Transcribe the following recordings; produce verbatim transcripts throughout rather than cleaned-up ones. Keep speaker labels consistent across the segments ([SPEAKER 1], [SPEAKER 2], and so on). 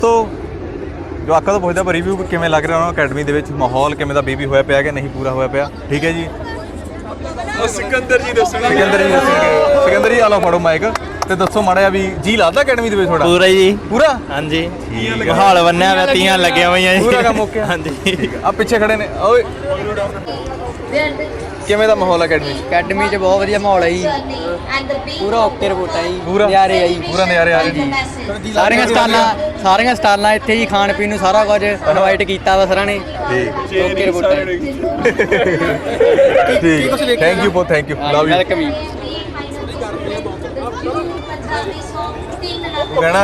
[SPEAKER 1] ਤੋ ਜਵਾਕਾਂ ਤੋਂ ਪੁੱਛਦਾ ਪਰ ਰਿਵਿਊ ਕਿਵੇਂ ਲੱਗ ਰਿਹਾ ਉਹਨਾਂ ਅਕੈਡਮੀ ਦੇ ਵਿੱਚ ਮਾਹੌਲ ਕਿਵੇਂ ਦਾ ਬੀਬੀ ਹੋਇਆ ਪਿਆ ਕਿ ਨਹੀਂ ਪੂਰਾ ਹੋਇਆ ਪਿਆ। ਠੀਕ ਹੈ ਜੀ,
[SPEAKER 2] ਸਿਕੰਦਰ ਜੀ ਦੱਸੋ।
[SPEAKER 1] ਸਿਕੰਦਰ ਜੀ ਦੱਸਣਗੇ। ਸਿਕੰਦਰ ਜੀ ਆ ਲਓ ਫੜੋ ਮਾਈਕ ਤੇ ਦੱਸੋ ਮਾੜਾ ਜਿਹਾ ਵੀ ਜੀ ਲੱਗਦਾ ਅਕੈਡਮੀ ਦੇ ਵਿੱਚ ਤੁਹਾਡਾ?
[SPEAKER 3] ਪੂਰਾ ਜੀ
[SPEAKER 1] ਪੂਰਾ
[SPEAKER 3] ਹਾਂਜੀ। ਮਾਹੌਲ ਬੰਨਿਆ ਹੋਇਆ, ਤੀਆਂ ਲੱਗੀਆਂ ਹੋਈਆਂ ਜੀ।
[SPEAKER 1] ਪੂਰਾ ਕੰਮ ਓਕੇ
[SPEAKER 3] ਹਾਂਜੀ।
[SPEAKER 1] ਆ ਪਿੱਛੇ ਖੜੇ ਨੇ ਓਏ ਕਿਵੇਂ ਦਾ ਮਾਹੌਲ ਅਕੈਡਮੀ 'ਚ?
[SPEAKER 4] ਅਕੈਡਮੀ 'ਚ ਬਹੁਤ ਵਧੀਆ ਮਾਹੌਲ ਹੈ ਜੀ, ਪੂਰਾ ਓਕੇ ਰਿਪੋਰਟ ਹੈ ਜੀ,
[SPEAKER 1] ਪੂਰਾ
[SPEAKER 4] ਨਜ਼ਾਰੇ ਆ ਜੀ,
[SPEAKER 1] ਪੂਰਾ ਨਜ਼ਾਰੇ ਆ ਰਹੇ ਜੀ।
[SPEAKER 4] ਸਾਰੀਆਂ ਸਟਾਲਾਂ ਸਾਰੀਆਂ ਸਟਾਲਾਂ ਇੱਥੇ ਜੀ, ਖਾਣ ਪੀਣ ਨੂੰ ਸਾਰਾ ਕੁਝ ਇਨਵਾਈਟ ਕੀਤਾ ਵਾ ਸਰਾਂ ਨੇ।
[SPEAKER 1] ਠੀਕ
[SPEAKER 4] ਓਕੇ ਰਿਪੋਰਟ ਹੈ।
[SPEAKER 1] ਠੀਕ ਥੈਂਕ ਯੂ ਬਹੁਤ thank you love you.
[SPEAKER 4] Welcome ਜੀ।
[SPEAKER 1] ਕਹਿਣਾ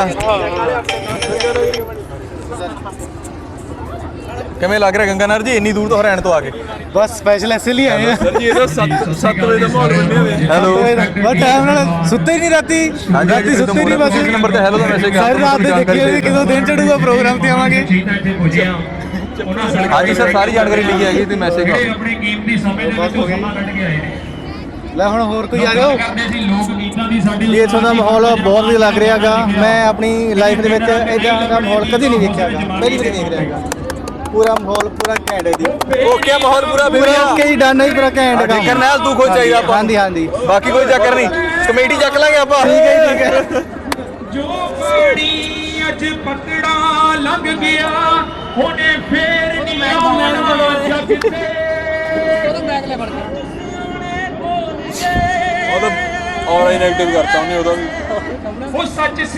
[SPEAKER 1] ਕਿਵੇਂ ਲੱਗ ਰਿਹਾ ਗੰਗਾਨਗਰ ਜੀ ਇੰਨੀ ਦੂਰ ਤੋਂ ਹਰਿਆਣੇ ਤੋਂ ਆ ਕੇ?
[SPEAKER 5] ਬਸ ਸਪੈਸ਼ਲ ਐਸੇ ਲਈ ਆਏ ਆ
[SPEAKER 2] ਸਰ ਜੀ ਇਹਦਾ ਸੱਤ ਵਜੇ ਦਾ ਮਾਹੌਲ ਬਣਿਆ ਹੋਇਆ।
[SPEAKER 1] ਹੈਲੋ
[SPEAKER 5] ਬਸ ਟਾਈਮ ਨਾਲ ਸੁੱਤੇ ਹੀ ਨਹੀਂ ਰਾਤੀ ਰਾਤੀ ਸੁੱਤੇ ਨਹੀਂ ਬਸ
[SPEAKER 1] ਇਸ ਨੰਬਰ ਤੇ ਹੈਲੋ ਦਾ ਮੈਸੇਜ
[SPEAKER 5] ਸਾਰੀ ਰਾਤ ਦੇ ਦੇਖੇ ਹੋਏ ਕਿਦੋਂ ਦਿਨ ਚੜੂਗਾ ਪ੍ਰੋਗਰਾਮ ਤੇ ਆਵਾਂਗੇ।
[SPEAKER 1] ਹਾਂਜੀ ਸਰ ਸਾਰੀ ਜਾਣਕਾਰੀ ਲਿਖੀ ਹੈਗੀ ਤੇ ਮੈਸੇਜ ਕਰੋ।
[SPEAKER 6] ਆਪਣੇ ਕੀਮਤੀ ਸਮੇਂ ਦੇ ਵਿੱਚੋਂ ਸਮਾਂ ਕੱਢ ਕੇ ਆਏ ਨੇ।
[SPEAKER 5] ਲੈ ਹੁਣ ਹੋਰ ਕੋਈ ਆ ਰਿਹਾ ਹੋ?
[SPEAKER 6] ਕਰਦੇ ਸੀ ਲੋਕ ਗੀਤਾਂ ਦੀ ਸਾਡੀ
[SPEAKER 5] ਇਹ ਇੱਥੋਂ ਦਾ ਮਾਹੌਲ ਬਹੁਤ ਵਧੀਆ ਲੱਗ ਰਿਹਾ ਹੈਗਾ। ਮੈਂ ਆਪਣੀ ਲਾਈਫ ਦੇ ਵਿੱਚ ਇਦਾਂ ਦਾ ਮਾਹੌਲ ਕਦੀ ਨਹੀਂ ਦੇਖਿਆ ਹੈਗਾ, ਪਹਿਲੀ ਵਾਰ ਦੇਖ ਰਿਹਾ ਹੈਗਾ। ਪੂਰਾ ਮਾਹੌਲ ਪੂਰਾ ਘੈਂਟ ਹੈ ਜੀ,
[SPEAKER 1] ਓਕੇ ਮਾਹੌਲ ਪੂਰਾ
[SPEAKER 5] ਪੂਰਾ ਓਕੇ ਜੀ, ਡਨ ਹੈ ਜੀ, ਪੂਰਾ ਘੈਂਟ
[SPEAKER 1] ਠੀਕ ਹੈ
[SPEAKER 5] ਕੰਮ।
[SPEAKER 1] ਨਾਲ ਤੂੰ ਕੋਈ ਚਾਹੀਦਾ ਆਪਾਂ
[SPEAKER 5] ਹਾਂਜੀ ਹਾਂਜੀ
[SPEAKER 1] ਬਾਕੀ ਕੋਈ ਚੱਕਰ ਨਹੀਂ, ਕਮੇਟੀ ਚੱਕ ਲਾਂਗੇ ਆਪਾਂ।
[SPEAKER 5] ਠੀਕ ਹੈ ਜੀ, ਠੀਕ ਹੈ।
[SPEAKER 6] ਜੋ ਪਾਣੀ ਅੱਜ ਪਤੜਾ ਲੰਘ ਗਿਆ ਉਹਨੇ ਫੇਰ ਨਹੀਂ ਆਉਣਾ ਜੱਗ ਤੇ।
[SPEAKER 2] ਉਹਦਾ ਔਨਲਾਈਨ ਐਕਟਿਵ ਕਰਤਾ ਉਹਨੇ ਉਹਦਾ ਵੀ।
[SPEAKER 6] ਉਹ ਸੱਚ